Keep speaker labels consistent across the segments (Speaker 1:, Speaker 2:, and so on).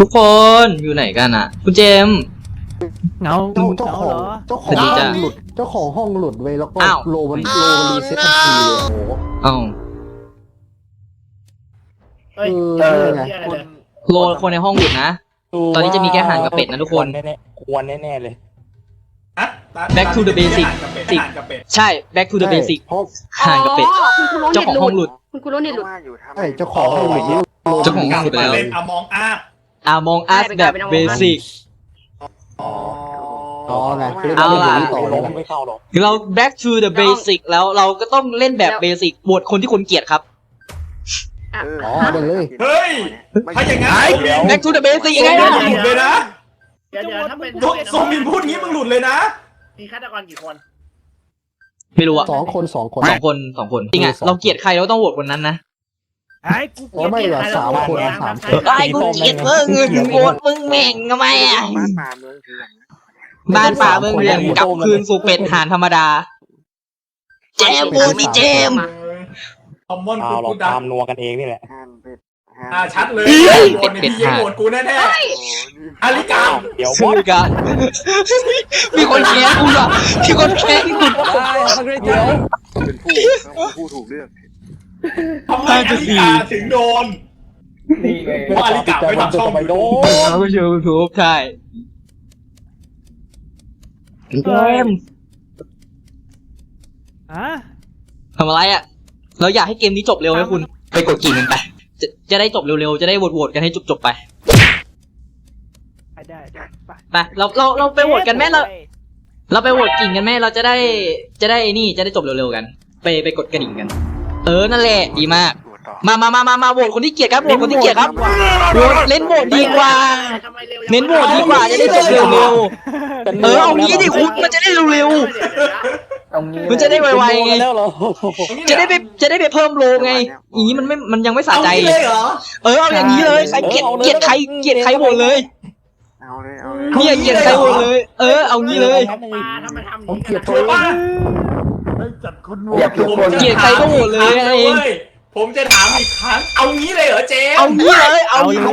Speaker 1: ทุกคนอยู่ไหนกันอ่ะคุณเจมส์
Speaker 2: เงา
Speaker 3: เจ้าของ
Speaker 1: สวัสดีจ้ะ
Speaker 3: ห้องหลุดเจ้าของห้องหลุดไว้แล้วก็
Speaker 1: อ้าว
Speaker 3: โลมันรีเซ็ตทันทีเลยโอ้โห
Speaker 1: เอ้า
Speaker 4: เฮ้ย
Speaker 3: ไง
Speaker 4: คุณ
Speaker 1: โลคนในห้องหยุดนะ ตอนนี้จะมีแค่ห่านกับเป็ดนะทุกคน
Speaker 5: ควรแน่ๆเลย
Speaker 1: Back to the basic
Speaker 6: ห่านกับเป็ด
Speaker 1: ใช่ back to the basic
Speaker 3: เพราะ
Speaker 1: ห่านกับเป็ด
Speaker 7: คุณครูโร
Speaker 1: เจ้า
Speaker 7: เน็
Speaker 1: ของห้อง
Speaker 7: ตห
Speaker 1: ห
Speaker 7: ลุ
Speaker 1: ลุ
Speaker 7: ด
Speaker 1: ด
Speaker 7: คุณครูโรเน็ตหลุด
Speaker 3: ใช่เจ้าของห้องหลุดนี่
Speaker 1: เจ้าของห้องหลุดไปแล้ว
Speaker 6: เล่นอมองอาร์
Speaker 1: Among Us แบบ basic
Speaker 3: อ๋อไงเล่น
Speaker 1: เอาล่ะ
Speaker 3: เล่นต่อเล
Speaker 5: ล้
Speaker 3: ย
Speaker 5: มไม่เข้าหรอก
Speaker 1: เรา back to the basic แล้วเราก็ต้องเล่นแบบ basic บทคนที่คุณเกลียดครับ
Speaker 3: อ๋อเดินเลย
Speaker 6: เฮ้ยถ้าอย่างงั้น
Speaker 1: back to the basic ยังไง
Speaker 6: มึ
Speaker 1: ล่ะ
Speaker 6: งหลุดเลยนะ
Speaker 4: เดี๋ยวถ้าเป็น
Speaker 6: โซมินพูดงี้มึงหลุดเลยนะ
Speaker 4: มีฆาตกรกี่คน
Speaker 1: ไม่รู้อะ
Speaker 3: สองคน
Speaker 1: สองคนจริงอะเราเกลียดใครเราต้องโหวตคนนั้นนะ
Speaker 4: ไอ้กู
Speaker 3: โอ้ไม่เหรอสามคนสามคน
Speaker 1: ไอ้กูเกลียดมึงโหวตมึงแม่งทำไมอะบ้านป่าเมืองเรือนกลับคืนสู่เป็ดห่านธรรมดา เจมส์โหวตนี่เจมส์
Speaker 6: คอมมอน
Speaker 5: เอา
Speaker 6: กู
Speaker 5: หรอก
Speaker 6: กูดั
Speaker 5: ตามนัวกันเองนี่แหละ
Speaker 6: ชัดเลยโหวตพี่ยิงโหวตกูแน่ๆอาริกา
Speaker 5: เดี๋ยว
Speaker 1: ชื่อกันมีคนแค้นคุณเหรอมีคนแค้นคุณ
Speaker 8: เป็นผู้ถูกเลือก
Speaker 6: ทำไมอาริกาถึงโดนเพราะอาริกาไม่ทำช่อง
Speaker 5: ไปโด
Speaker 1: เราก็ชื่อทูบใช่เจมส์
Speaker 2: อ่ะ
Speaker 1: ทำอะไรอะเราอยากให้เกมนี้จบเร็วไหมคุณไปกดกิ่งกันไปจะได้จบเร็วๆจะได้โหวตกันให้จบๆไป
Speaker 2: ได้ไป
Speaker 1: ไปเราไปโหวตกันแม่เราไปโหวตกิ่งกันแม่เราจะได้นี่จะได้จบเร็วๆกัน ไปกดกระดิ่งกัน นั่นแหละดีมากมาโหวตคนที่เกลียดครับโหวตคนที่เกลียดครับโหวตเล่นโหวตดีกว่า เน้นโหวตดีกว่าจะได้จบเร็วๆเอางี้ดิคุณมันจะได้เร็วๆมันจะได้ไวๆไง
Speaker 5: แล้วเหรอ
Speaker 1: จะได้ไปเพิ่มโลไงอย่างนี้มันยังไม่สะ
Speaker 6: เอา
Speaker 1: ใจ
Speaker 6: งี้เลยเหรอ
Speaker 1: เอาอย่างนี้เลยใครเกลียดใครโหวตเลย
Speaker 8: เอาเลย
Speaker 1: เนี่ยเกลียดใครโหวตเลย เอางี้เลย
Speaker 3: ผมเกลียด
Speaker 6: ชั
Speaker 3: ตัว
Speaker 6: วร์
Speaker 3: เอง
Speaker 6: ป่ะ
Speaker 3: จัดคนโหว
Speaker 1: เกลียดใครก็โหวตเลยเอง
Speaker 6: ผมจะถามอีกครั้งเอางี้เลยเหรอเจม
Speaker 1: เอางี้เลยเอางี้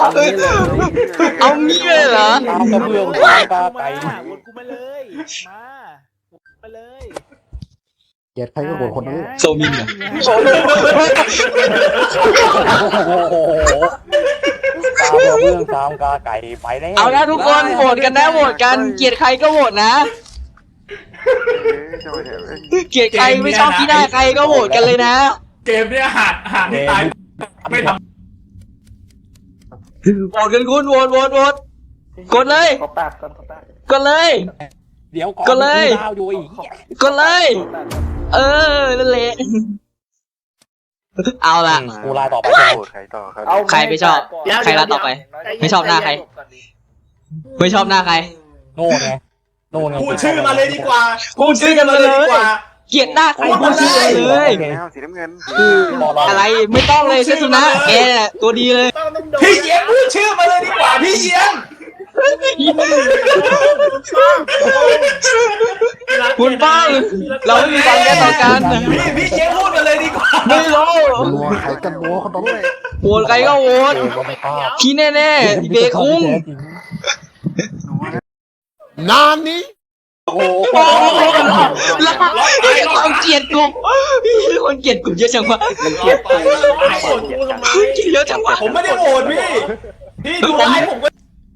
Speaker 1: เลยเหรอ
Speaker 5: ตามกระเบื้องตามกาไก่
Speaker 2: วนกูมาเลยมาไปเลย
Speaker 3: เกลียดใครก็โหวตคนนั้น
Speaker 1: โซมินเหรอ
Speaker 5: โอ้โหตามกระเบื้องตามกาไก่ไปแล้ว
Speaker 1: เอาละทุกคนโหวตกันนะโหวตกันเกลียดใครก็โหวตนะเกลียดใครไม่ชอบที่หน้าใครก็โหวตกันเลยนะ
Speaker 6: เกมเนี่ยหาดที่ตายไม่ท
Speaker 1: โหวตกันคุณโหวตกดเลย
Speaker 8: เขาแป๊บก่อนเขาแป๊บ
Speaker 1: กดเลย
Speaker 5: เดี๋ยวก่อน
Speaker 1: ก็เลย
Speaker 5: ดาวอยู่อีก
Speaker 1: กดเลย นั่นแหละเอาล่ะ
Speaker 5: กูลาต่อไปใช่ไหม
Speaker 8: ใครต่อครับ
Speaker 1: ใครไม่ชอบ ใครรัดต่อไป ไม่ชอบหน้าใคร ไม่ชอบหน้าใคร
Speaker 5: โน่นไงโน่นไง
Speaker 6: ำพูดชื่อมาเลยดีกว่า
Speaker 1: พูดชื่อกันมาเลย
Speaker 6: ดีกว่า
Speaker 1: เกลียดหน้าใครพูดชื่อกันเลย
Speaker 8: แล้วสีน้ำเงิน
Speaker 1: อะไรไม่ต้องเลยเซซุนะแกตัวดีเลย
Speaker 6: พี่เยียงพูดชื่อมาเลยดีกว่าพี่เยียง
Speaker 1: คุณป้องเราไม่มีความแก้ต่อกัน
Speaker 6: พี่เยียงพูดมาเลยดีกว่า
Speaker 1: ไม่รู้
Speaker 3: นัวใครกันนัวคนนั้นเลย
Speaker 1: โหวตใครก็โหวต
Speaker 5: เออก็ไม่กล้า
Speaker 1: พี่แน่ๆเบคุ้ง
Speaker 3: นานนี้
Speaker 5: โอ้โห
Speaker 1: แล้วความเกลียดกลุ่มคนเกลียดกลุ่มเยอะจังวะ
Speaker 6: เกียดไปโหวตกูทำไม
Speaker 1: เยอะจังวะ
Speaker 6: ผมไม่ได้โหวตพี่ดูไลฟ์ผมก็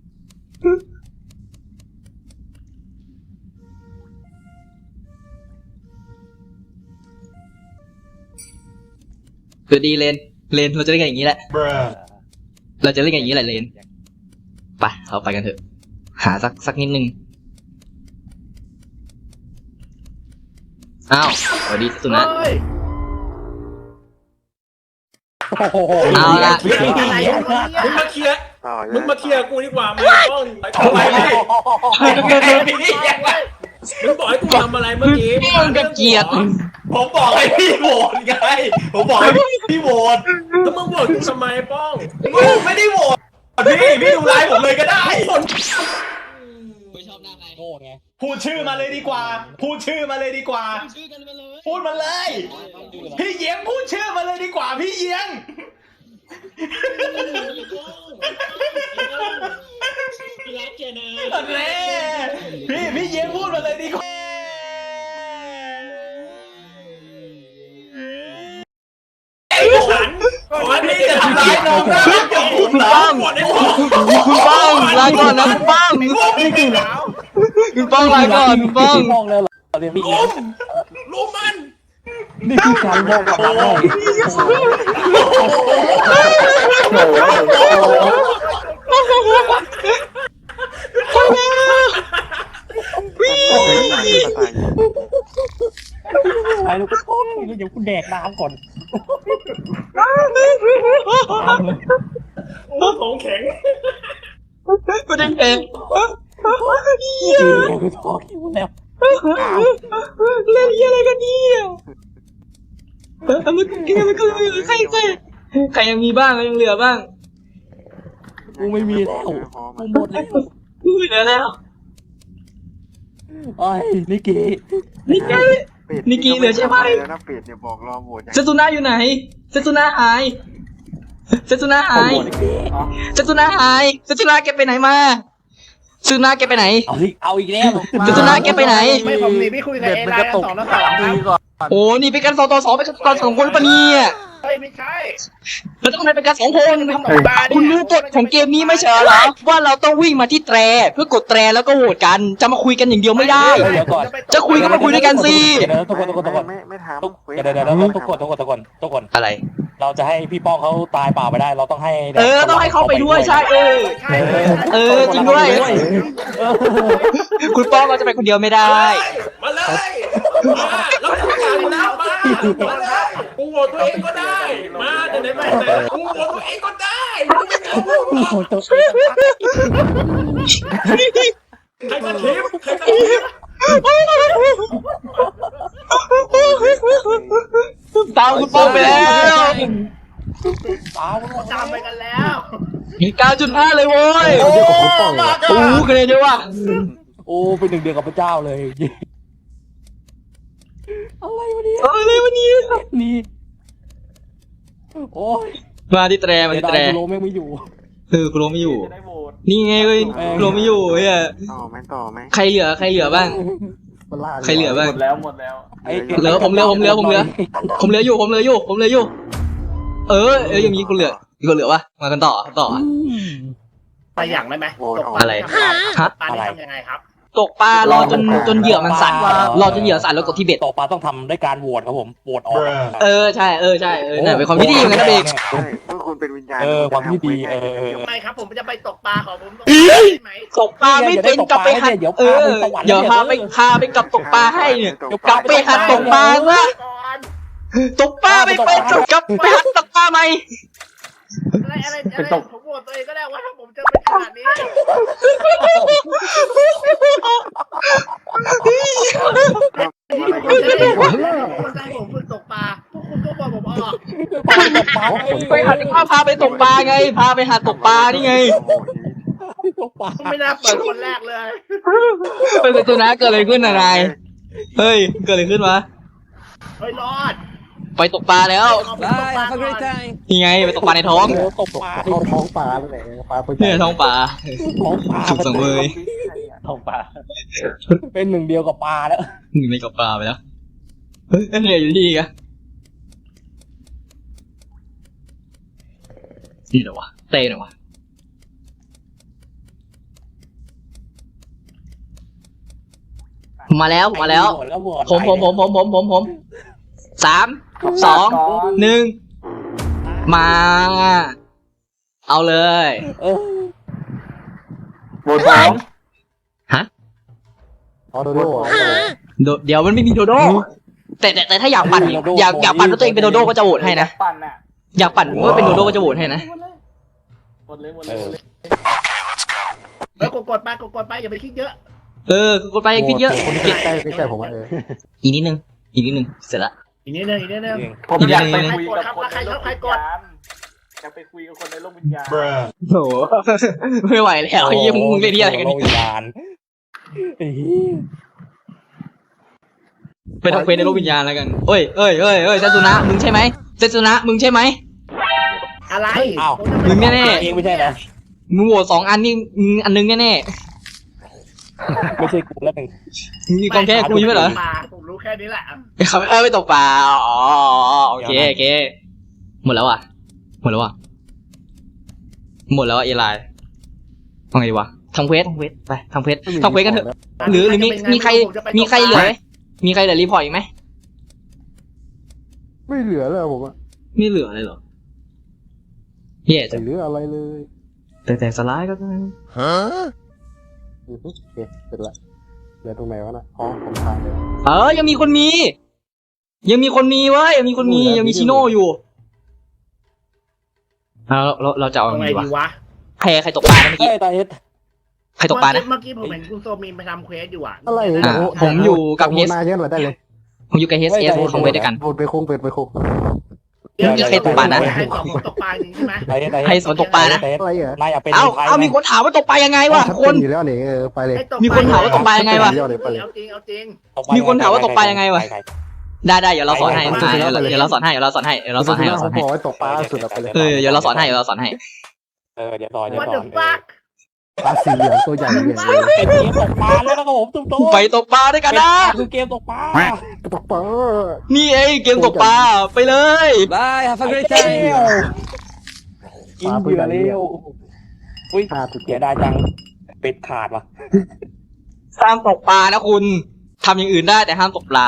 Speaker 1: คือดีเลนเราจะเล่นกันอย่างนี้แหละ เราจะเล่นกันอย่างนี้แหละเลนไปเราไปกันเถอะ หาสักนิดนึงอ้าวสวัสดีสุนะ เอาละ
Speaker 6: มึงมาเคลียร์
Speaker 8: ต่อ
Speaker 6: มึงมาเคลียร์กูดีกว่ามึงต้องทำไมมึงบอกให้กูทำอะไรเมื่อกี้
Speaker 1: มึงก็เกลียด
Speaker 6: ผมบอกให้พี่โหวตไงผมบอกให้พี่โหวตแล้วมึงโหวตกูทำไมป้องมึงไม่ได้โหวตพี่ดูไลฟ์ผมเลยก็ได้คน
Speaker 1: ไม่ชอบหน้าใคร
Speaker 5: โน่นไง
Speaker 6: พูดชื่อมาเลยดีกว่า พูดชื่อมาเลยดีกว่า
Speaker 1: ชื่อกันมาเลย
Speaker 6: พูดมาเลย พี่เยียงพูดชื่อมาเลยดีกว่าพี่เยียงแน่พี่เย็นพูดมาเลยดีกว่าขอพี่จะทำร้ายน้องนะกับผมเหรอหมดได้หมด
Speaker 1: คุณป้องลาก่อนนะคุณป้องคุณป้องลาก่อนคุณป้อง
Speaker 5: มองเลยเหรอเดี๋ยวพี่
Speaker 6: ลุมมัน
Speaker 5: นี่คือการมองกับเรา ไอ้ลูกโป่งเดี๋ยวกูแดกน้ำก่อน
Speaker 6: ของแข็ง
Speaker 1: กูได้เอง
Speaker 5: กูท้อคิวแล้ว
Speaker 1: เล่นอะไรกันเนี่ยมันใครยังมีบ้างยังเหลือบ้าง
Speaker 5: กูไม่มีแล้วกูหมดแล้ว
Speaker 1: เหลือแล้ว
Speaker 5: ไอ้นิกกี้
Speaker 1: นิกกี้เหลือใช่ไหม
Speaker 8: แล้วนะเป็ดเนี่ยบอกรอโหวต
Speaker 1: เซตุนาอยู่ไหนเซตุนาหายเซตุนาหายเซตุนาหายเซตุนาแกไปไหนมาเซตุนาแกไปไหน
Speaker 5: เอาอีกแล้ว
Speaker 1: เซตุนาแกไปไหน
Speaker 4: ไม่ผมหนีพี่คุยกับ
Speaker 3: เด็ด
Speaker 4: เอ
Speaker 3: มัน
Speaker 4: ไล
Speaker 3: กระ
Speaker 4: น์
Speaker 3: ตุก
Speaker 4: 2 แล้ว 3
Speaker 3: ก่อน
Speaker 1: โอ้นี่เป็นการ2-2เป็นการ2คนปะเนี่ย
Speaker 4: เฮ้ยไม่ใช่
Speaker 1: แล้วต้องเป็นการ2คน
Speaker 4: ทำตกปลาเนี่ย
Speaker 1: คุณรู้กฎของเกมนี้ไม่ใช่เหรอว่าเราต้องวิ่งมาที่แตรเพื่อกดแตรแล้วก็โหวตกันจะมาคุยกันอย่างเดียวไม่ได้ จะคุยก็มาคุยด้วยกันสิ
Speaker 5: เดี๋ยวทุกคน
Speaker 8: ไม่ทำ
Speaker 5: เดี๋ยวทุกคน
Speaker 1: อะไร
Speaker 5: เราจะให้พี่ป้องเขาตายเปล่าไปได้เราต้องให้
Speaker 1: ต้องให้เขาไปด้วยใช่
Speaker 4: ใช่
Speaker 1: จริงด้วย คุณป้องเราจะไปคนเดียวไม่ได้
Speaker 6: มาเลยมาแล้วทำงานแล้วมาเลยกูโหวตตัวเองก็ได้มาเดี๋ยวไหนมาแต่กูโหวตตัวเองก็ได้ใครจะทิปใครจะทิป
Speaker 1: ตามคุณป้องไปแล้ว
Speaker 4: ตามไปกันแล้ว
Speaker 1: 9.5 เลยโว้ย
Speaker 3: เดี๋ยวผมป้องเลย
Speaker 1: โอ้คะแนนเยอะว่ะ
Speaker 5: โอ้เป็นหนึ่งเดียวกับพระเจ้าเลยอะไรวะเนี่ย
Speaker 1: อะไรวะเนี่ย
Speaker 5: นี่โอ้ย
Speaker 1: มาที่แตรมาที่แตร
Speaker 5: โลแม่งไม่อยู่
Speaker 1: กูรู้ไม่อยู่
Speaker 2: จะได้โหวต
Speaker 1: นี่ไงเว้ยกูรู้ไม่อยู่เฮ้ย
Speaker 8: ต่อไหม
Speaker 1: ใครเหลือบ้าง
Speaker 3: มันลาก
Speaker 1: ใครเหลือบ้าง
Speaker 2: หมดแล้วหมดแล้ว
Speaker 1: เหลือผมเหลืออยู่ยังมีคนเหลือวะมากันต่อ
Speaker 4: ไปอย่างได้ไหมตกปลา
Speaker 1: อะไรฮะ
Speaker 4: ปลานี่ทำยังไงครับ
Speaker 1: ตกปลารอจนเหยื่อมันสั่นรอจนเหยื่อสั่นแล้วกดที่เบ็ด
Speaker 5: ต่อปลาต้องทำด้วยการโหวตครับผมโหวตออก
Speaker 1: ใช่เนี่ยเป็นความที่ดีเหมือนกันนะเบก
Speaker 8: ใช่เมื่อคุณเป็นวิญญาณ
Speaker 5: ความที่ดี
Speaker 4: ไม่ครับผมจะไปตกปลาของผมตกปลาได้ไหม
Speaker 1: ตกปลาไม่เป็นกลับไปหัดเดี๋ยวพาไปกับตกปลาให้เนี่ยกลับไปหัดตกปลาซะ
Speaker 4: ก่อน
Speaker 1: ตกปลาไม่เป็นกลับไปหัดตกปลาใหม่
Speaker 4: อะไรผมโหวตตัวเองก็ได้ว่าถ้าผมจะเป็นขนาดนี้คนจะให้ผมฝึกตกปลาพวกคุณก็บอกผมออก
Speaker 1: ไปหัดพาไปตกปลาไงพาไปหัดตกปลานี่ไง
Speaker 4: ไม่น่าเปิดคนแรกเลย
Speaker 1: เป็นตัวนะเกิดอะไรขึ้นนายเฮ้ยเกิดอะไรขึ้นวะ
Speaker 4: เฮ้ยรอด
Speaker 1: ไปตกปลาแล้ว
Speaker 4: ตกปลาก่อน
Speaker 1: นี่ไงไปตกปลาในท้อง
Speaker 5: ตกปลา
Speaker 3: เข้าท้องปลาเลยปลาตัวใหญ่
Speaker 1: เนี่ยท้องปลา
Speaker 5: ท้องปลา
Speaker 1: สุกสังเวย
Speaker 5: ท้องปลาเป็นหนึ่งเดียวกับปลาแล้ว
Speaker 1: ไม่กับปลาไปแล้วเฮ้ยเนี่ยอยู่ที่อะนี่เหรอวะเต้เหรอวะมาแล้วผม 3 2 1 มา เอาเลย
Speaker 8: โหวตสอง
Speaker 3: ออโดโด
Speaker 1: เดี๋ยวมันไม่มีโดโด้แต่ถ้าอยากปั่นอยากปั่นว่าตัวเองเป็นโดโด้ก็จะโหวตให้นะ
Speaker 2: ปั่นอ่ะ
Speaker 1: อยากปั่นว่าเป็นโดโด้ก็จะโหวตให้นะ
Speaker 2: หมดเลย
Speaker 4: แล้วกดไปอย่าไปคิดเยอะ
Speaker 1: กดไปคิดเยอะ
Speaker 3: คนที่ใกล้ผมว่า
Speaker 1: อีกนิดนึงเสร็จละ
Speaker 4: อีกนิดนึง
Speaker 2: ผมอยากไป
Speaker 1: อีกนิดนึง
Speaker 2: คุยกับคนในโลกวิญญาณอยากไปคุยกับคนในโลกวิญญาณ
Speaker 1: โอ้ไม่ไหวแล้วไอ้ยี่มึงเล่นที่อะไรกัน
Speaker 5: วิญญาณ
Speaker 1: ไปทำเควสในโลกวิญญาณแล้วกันเอ้ยเซซุนะมึงใช่ไหม
Speaker 4: อะไร
Speaker 5: อ้าว
Speaker 1: มึงแน่
Speaker 5: เองไม่ใช่เหรอ
Speaker 1: ๆมึงโหวต2 อันนี่มึงอันนึงแน่
Speaker 5: ไม่ใช่กูแล้วหนึ่ง
Speaker 1: ๆมึงมีความแค่กูใช่ไหมเหรอ
Speaker 4: ผมรู้แค่นี้แหละ
Speaker 1: เขาไปตกปลาอ๋อโอเคโอเคหมดแล้วอ่ะหมดแล้วอ่ะหมดแล้วอ่ะเอไลน์ทำไงดีวะทำเควสไปทำเควสกันเถอะหรือมีใครเหลือไหมมีใครเหลือรีพอร์ตอีกไหม
Speaker 3: ไม่เหลือแล้วผมอะ
Speaker 1: ไม่เหลืออะไรหรอเฮียจะ
Speaker 3: ไม่เหลืออะไรเลย
Speaker 1: แต่สไลด์ก็ได้
Speaker 3: โอเคเสร็จละเหลือตรงไหนวะน่ะอ๋อผมทานเลย
Speaker 1: ยังมีคนมีเว้ยยังมีชิโน่อยู่เราจะเอา
Speaker 4: ทำ
Speaker 1: ไง
Speaker 4: ไง
Speaker 1: ดี
Speaker 4: ดี
Speaker 1: วะ
Speaker 4: วะ
Speaker 1: ใครตกปลาเมื่อกี้
Speaker 5: เฮ้ยตาเฮ็ด
Speaker 1: ใครตกปลานะ
Speaker 4: เมื่อกี้ผมเห็นคุณโซมีนไปทำเควสอยู่อ่ะ
Speaker 3: อะไร
Speaker 1: ผมอยู่กับ
Speaker 3: เฮ
Speaker 1: เฮส
Speaker 3: นาเยอะเลยได้เลย
Speaker 1: ผมอยู่กับเฮสของเวทด้วยกัน
Speaker 3: โหวตไปโค้งไปโค้ง
Speaker 1: เดี๋ยวใครตกปลานะ
Speaker 4: ใครตกปลาจริงใช่ไหม
Speaker 5: ตาเฮ็ด
Speaker 1: ใครสนตกปลานะ
Speaker 5: ตาเฮ็ด
Speaker 3: อะไรเหรอน
Speaker 5: ายอยากเป็น
Speaker 1: เอ้า
Speaker 5: ไทย
Speaker 1: มีคนถามว่าตกปลายังไงวะคน
Speaker 3: อยู่แล้วนี่ไปเลย
Speaker 1: มีคนถามว่าตกปลายังไงวะ
Speaker 4: เอาจริง
Speaker 1: มีคนถามว่าตกปลายังไงวะ ได้เดี๋ยวเราสอนให้เดี๋ยวเราสอนให้
Speaker 3: ผมบอกไว้ตกปลาสุดไปเลย
Speaker 1: เดี๋ยวเราสอนให้
Speaker 5: เดี๋ยวต่อ
Speaker 4: ว่าเดือดฟัก
Speaker 3: ปลาสีเหลืองตัวใหญ่เนี่ย
Speaker 5: เป็นเกมตกปลาแล้วนะครับผมตุ้มโต
Speaker 1: ไปตกปลาด้วยกันนะ
Speaker 5: คือเกมตกปลา
Speaker 3: ตกปลา
Speaker 1: นี่เกมตกปลาไปเลย
Speaker 5: บายฮัฟเฟอร์เจลกินเหยื่อเร็วอุ้ยเสียดายจังเป็ดขาดว่ะ
Speaker 1: ห้ามตกปลานะคุณทำอย่างอื่นได้แต่ห้ามตกปลา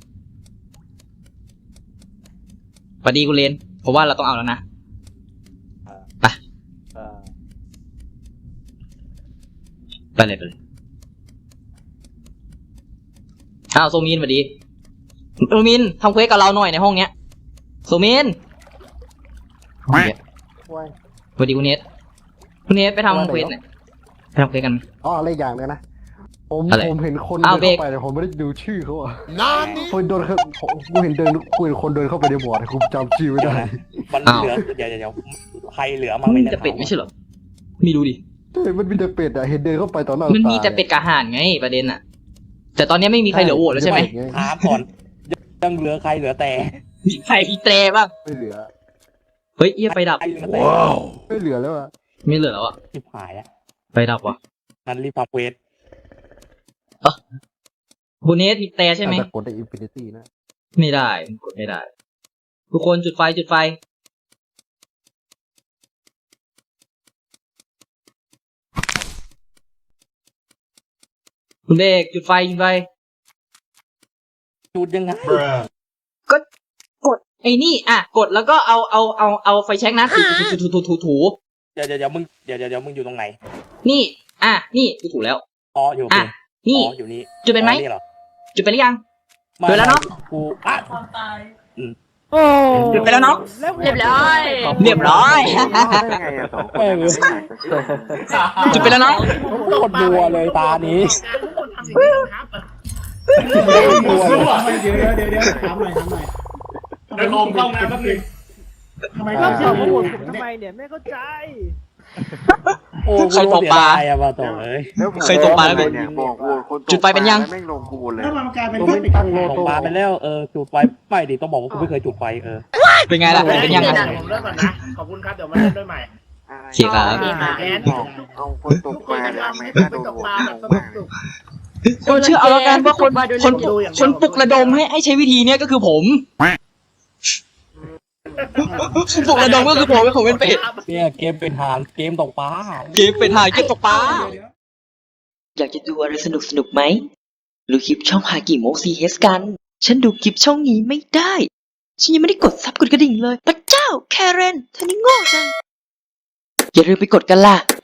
Speaker 1: สวัสดีคุณเลนผมว่าเราต้องเอาแล้วนะไปเลยโซมินสวัสดีโซมินทำเควสกับเราหน่อยในห้องเนี้ยโซมินสวัสดีคุณเนสไปทำเควสเนี่ยไปทำเควสกัน
Speaker 3: อ๋ออะไรอย่างเลยนะผมเห็นคน
Speaker 1: เอา
Speaker 3: เดิน
Speaker 1: เบรก
Speaker 3: เข้าไปแต่ผมไม่ได้ดูชื่อเขาอ่ะคนเดินเข้ากูเห็นคนเดินเข้าไปในบอร์ดกูจำชื่อไม่ได้
Speaker 5: มันเหลือเดี๋ยวใครเหลือมั้ง
Speaker 1: มันจะเป็ดไม่ใช่เหรอไม่รู้ดิ
Speaker 3: มันมีแต่เป็ดอ่ะเห็นเดินเข้าไปตอนหน้า
Speaker 1: มันมีแต่เป็ดกระห่านไงประเด็นอะแต่ตอนนี้ไม่มีใครเหลือโหวตแล้วใช่ไหม
Speaker 5: ถามก่อนยังเหลือใครเหลือแต่
Speaker 1: มีใครอีเตรบ้าง
Speaker 3: ไม่เหลือ
Speaker 1: เฮ้ยไฟดับ
Speaker 5: ใครเหลือแต่
Speaker 3: ไม่เหลือแล้วอ่ะ
Speaker 1: ไม่เหลือแล้วอะ
Speaker 5: ชิบหายแล้ว
Speaker 1: ไฟดับว่ะ
Speaker 5: นั่นรีบทำเวท
Speaker 1: คุณเนสมีแต่ใช่ไหม
Speaker 3: แต่กดได้อินฟินิตี้นะ
Speaker 1: ไม่ได้กดไม่ได้ ทุกคนจุดไฟคุณเด็กจุดไฟ
Speaker 5: จุดยังไง
Speaker 1: กดไอ้นี่กดแล้วก็เอาไฟแช็กนะถู
Speaker 5: เดี๋ยวมึงเดี๋ยวมึงอยู่ตรงไหน
Speaker 1: นี่นี่ถูแล้ว
Speaker 5: อ๋ออยู่
Speaker 1: นี่
Speaker 5: อยู่นี่
Speaker 1: จุดเป็นไหม
Speaker 5: นี่เหรอ
Speaker 1: จุดไปหรือยัง จุดแล้วเนาะ
Speaker 5: กูอ่ะ
Speaker 1: จุดไปแล้วเนาะ
Speaker 4: เรียบร้อย
Speaker 1: เรียบร้อย
Speaker 8: ได้ไงอะสองคนนั้นไม่หายไป
Speaker 1: จุดไปแล้วเนาะ
Speaker 5: โคตรรัวเลยตานี้
Speaker 4: ทุกคนทำอย่างนี้ครับ
Speaker 5: รัวเลย
Speaker 2: เดี๋ยวถามหน่อยเดี๋ยวผมเข้าน้ำแป๊บนึงทำไมต้อง
Speaker 4: ทำ
Speaker 2: ทำ
Speaker 4: ผมทำไมเนี่ยไม่เข้าใจ
Speaker 5: โอ้
Speaker 1: ใครตกปลา
Speaker 5: เสียดยอะมาต่อเลย
Speaker 1: เคยตกปลาแล้วเป็น
Speaker 8: เนี่ยบอกโหวตคน
Speaker 1: จุดไฟเป็นยัง
Speaker 8: แม่งลงกูเลย
Speaker 2: ถ้ามันกลายเป็น
Speaker 3: ผม
Speaker 2: แค่
Speaker 3: ไม่
Speaker 2: ปิด
Speaker 3: ตั้งโล
Speaker 5: ตก
Speaker 3: โต้
Speaker 5: ปลาไปแล้วจุดไฟไม่ดิต้องบอกว่ากูไม่เคยจุดไฟ
Speaker 1: เป็นไงล่ะเป็นยังไง
Speaker 4: ผมเลิกก่อนนะขอบคุณครับเดี๋ยวมาเล่นด้วยใหม่
Speaker 1: เสียครับ
Speaker 8: เอาคนตกปลาทำไมถ้าโดนโหวต
Speaker 1: คนเชื่อเอาแล้วกันว่าคนปลุกระดมให้ใช้วิธีเนี้ยก็คือผมปลุกระดมก็คือผมเป็นเป็ด
Speaker 5: เนี่ยเกมเป็นหางเกมตกปลา
Speaker 1: เกมเป็นหายเกมตกปลา
Speaker 7: อยากจะดูอะไรสนุกไหมดูคลิปช่องฮากิโมซีเฮสกัน ฉันดูคลิปช่องนี้ไม่ได้ ฉันยังไม่ได้กดซับกดกระดิ่งเลยพระเจ้าแคเรนเธอนี่โง่จัง อย่าลืมไปกดกันล่ะ